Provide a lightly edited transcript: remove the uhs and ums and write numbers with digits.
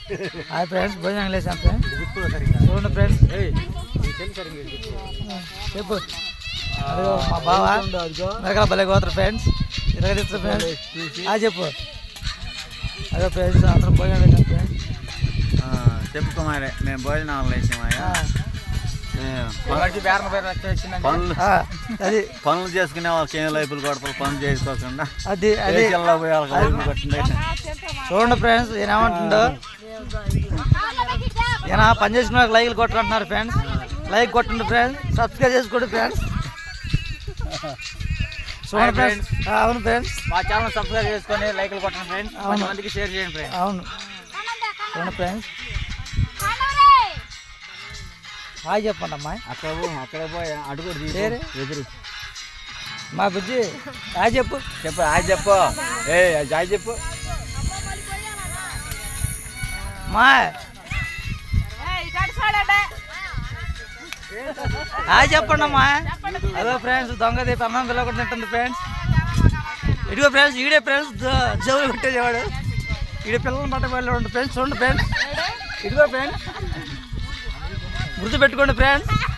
Hi friends, భోజనం లేసాం friends. చూడండి friends, చెప్పు. అదిగో మా బావ మెరకల భలే పోతారు ఫ్రెండ్స్, ఇరగదిస్తారు ఫ్రెండ్స్. చెప్పు. అదే ఫ్రెండ్స్, అందరం భోజనం లేసాం ఫ్రెండ్స్. చెప్పు కుమారే, మేము భోజనం లేసామయ్యా. అది పనులు చేసుకునే వాళ్ళకి ఏం లైపులు కొడతారు, పనులు చేసుకోకుండా అది అది చూడండి ఫ్రెండ్స్. ఈయన ఏమంటుండో, ఈయన పని చేసుకున్న వాళ్ళకి లైక్లు కొట్టంటున్నారు ఫ్రెండ్స్. లైక్ కొట్టండి ఫ్రెండ్స్, సబ్స్క్రైబ్ చేసుకోండి ఫ్రెండ్స్. చూడండి ఫ్రెండ్స్. అవును ఫ్రెండ్స్, మా ఛానల్ సబ్స్క్రైబ్ చేసుకొని లైక్లు కొట్టండి ఫ్రెండ్స్. మందికి షేర్ చేయండి ఫ్రెండ్స్. అవును చూడండి ఫ్రెండ్స్. హాయ్ చెప్పండి అమ్మాయి. అక్కడ పోయి అడుగు ఎదురు మా బుజ్జి హాయ్ చెప్పు. చెప్పు హాయ్ చెప్పు. హాయ్ చెప్పు మా హాయ్ చెప్పండి అమ్మా. అదో ఫ్రెండ్స్, దొంగ దీప అన్నం పిల్ల కూడా తింటుంది ఫ్రెండ్స్. ఇదిగో ఫ్రెండ్స్, ఈడే ఫ్రెండ్స్ జవులు పెట్టేవాడు. ఈడే పిల్లలను పట్ట వెళ్ళి ఫ్రెండ్స్. చూడండి ఫ్రెండ్స్, ఇదిగో ఫ్రెండ్స్, గుర్తు పెట్టుకోండి ఫ్రెండ్స్.